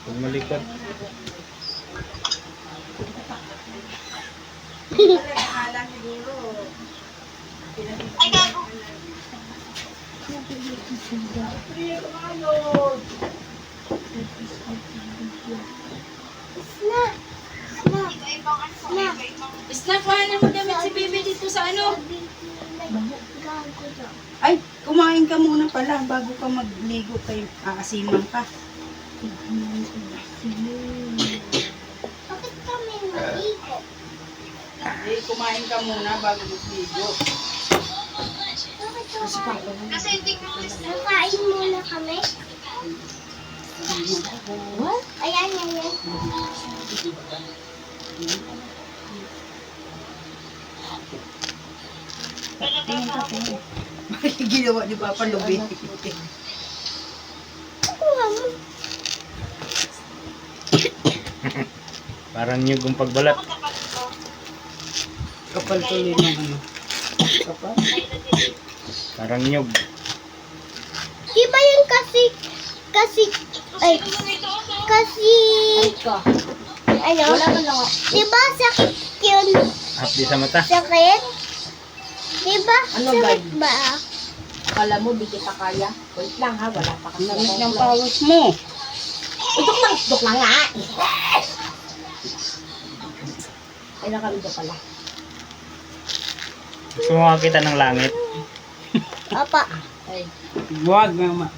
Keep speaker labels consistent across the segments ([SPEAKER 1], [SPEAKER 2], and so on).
[SPEAKER 1] Huwag malikot.
[SPEAKER 2] Ay, gago.
[SPEAKER 3] Snack, kuhanin mo damit si Bibi dito sa ano?
[SPEAKER 4] Ay, kumain ka muna pala bago ka magligo kay aasiman ka.
[SPEAKER 2] Bakit kami naligo?
[SPEAKER 4] Eh, kumain ka muna bago magligo.
[SPEAKER 2] Kasi hindi ko nakain muna kami.
[SPEAKER 3] What?
[SPEAKER 2] Ayan, ayan.
[SPEAKER 4] Bakit ginawa ni Papa Lubi?
[SPEAKER 2] Kuha mo.
[SPEAKER 1] Parang nyug ang pagbalat.
[SPEAKER 4] Kapal tuloy ng ano. Kapal?
[SPEAKER 1] Parang nyug.
[SPEAKER 2] Di ba yun kasi, ay, kasi, ano?
[SPEAKER 3] Wala man lang ako.
[SPEAKER 2] Di ba sakit yun?
[SPEAKER 1] Hapdi sa mata.
[SPEAKER 2] Sakit? Di ba?
[SPEAKER 3] Ano,
[SPEAKER 2] Sakit
[SPEAKER 3] guys?
[SPEAKER 2] ba?
[SPEAKER 3] Kala mo, di kita kaya. Wait lang ha, wala pa kasi.
[SPEAKER 4] Ang lamig ng pawis mo.
[SPEAKER 3] Dok na nga. Ay, nakalito pala.
[SPEAKER 1] Gusto mo makakita ng langit?
[SPEAKER 2] Apa.
[SPEAKER 3] Ay,
[SPEAKER 4] Huwag naman.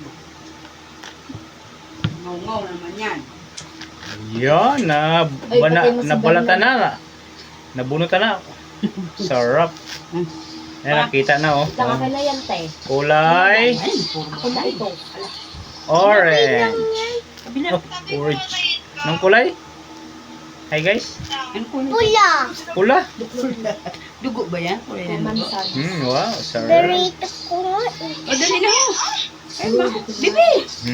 [SPEAKER 4] Ngaw-ngaw naman yan.
[SPEAKER 1] Yan,
[SPEAKER 3] Ay, patay mo si
[SPEAKER 1] nabalatan na. Nabunutan na. Sarap. Ayan, nakita na oh.
[SPEAKER 3] wait lang akin na yan, te.
[SPEAKER 1] Kulay
[SPEAKER 4] Ay, puro
[SPEAKER 3] Ako na ito.
[SPEAKER 1] orange.
[SPEAKER 4] kabila.
[SPEAKER 1] Oh, orange. Anong kulay? Hi guys.
[SPEAKER 4] Ano po yun?
[SPEAKER 2] Pula.
[SPEAKER 1] Pula.
[SPEAKER 4] Dugo ba yan? O yan?
[SPEAKER 3] Mansan.
[SPEAKER 1] Wow, sarap.
[SPEAKER 2] Doritos ko nga.
[SPEAKER 4] O, dali na mo. Ay, ma. Bibi!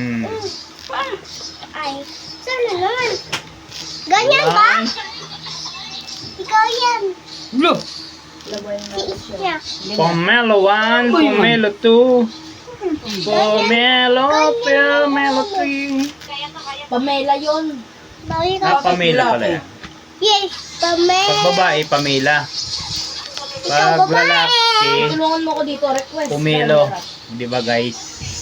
[SPEAKER 2] Ay, sana naman. Ganyan ba? Ikaw yan.
[SPEAKER 4] Lo!
[SPEAKER 3] Lagay na
[SPEAKER 2] Si
[SPEAKER 3] siya.
[SPEAKER 2] Isya.
[SPEAKER 1] Pomelo 1, Pomelo 2, Pomelo, Pomelo 3.
[SPEAKER 3] Pamela yun.
[SPEAKER 2] Bawi
[SPEAKER 1] Ah,
[SPEAKER 2] ka.
[SPEAKER 1] Pamela pala yan.
[SPEAKER 2] Yes, Pame.
[SPEAKER 1] Pag babae, Pamela. Pag lalaki,
[SPEAKER 3] Tulungan mo ko dito, request.
[SPEAKER 1] Pomelo. Di ba guys?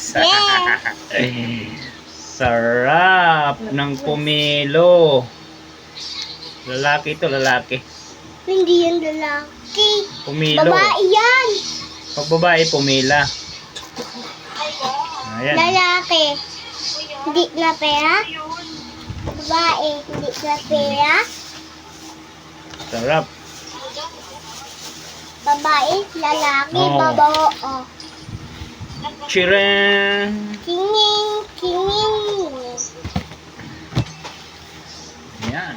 [SPEAKER 1] Sarap ng pomelo. Lalaki ito, lalaki.
[SPEAKER 2] Hindi yan lalaki.
[SPEAKER 1] Pomelo.
[SPEAKER 2] Babae yan.
[SPEAKER 1] Pag babae, pomela. Ayan.
[SPEAKER 2] Lalaki. Hindi na pera. Babae. Hindi na pera.
[SPEAKER 1] Sarap.
[SPEAKER 2] Babae. Lalaki.
[SPEAKER 1] Oo.
[SPEAKER 2] Babae. Oh.
[SPEAKER 1] Chiren.
[SPEAKER 2] Kinging. Kinging.
[SPEAKER 1] Ayan.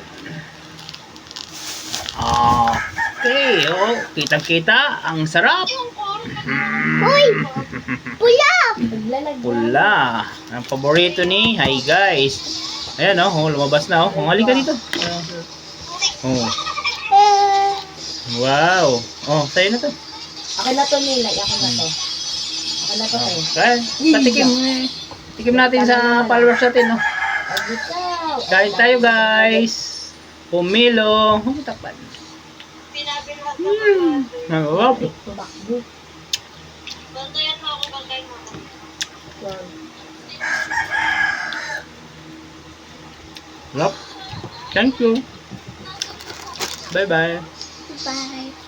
[SPEAKER 1] Okay, oh, kitang-kita, ang sarap.
[SPEAKER 2] Uy! Pula!
[SPEAKER 3] Naglalag.
[SPEAKER 1] Pula. Ang paborito ni, hi guys. Ayan oh, lumabas na oh. Halika dito. Oh.
[SPEAKER 2] Eh,
[SPEAKER 1] Wow. Oh, sa'yo na to.
[SPEAKER 3] Akin na to, Nilay. Akin na to. Akin na to, tayo.
[SPEAKER 1] Kaya, patikim. Tikim natin sa followers natin, no?
[SPEAKER 3] Ikaw.
[SPEAKER 1] Kain tayo, guys. Pumilo. Takpan. Wow.
[SPEAKER 3] Tumakbo.
[SPEAKER 2] bantayan mo ako, bantayan mo ako.
[SPEAKER 1] Love. Thank you. Bye-bye.
[SPEAKER 2] Bye.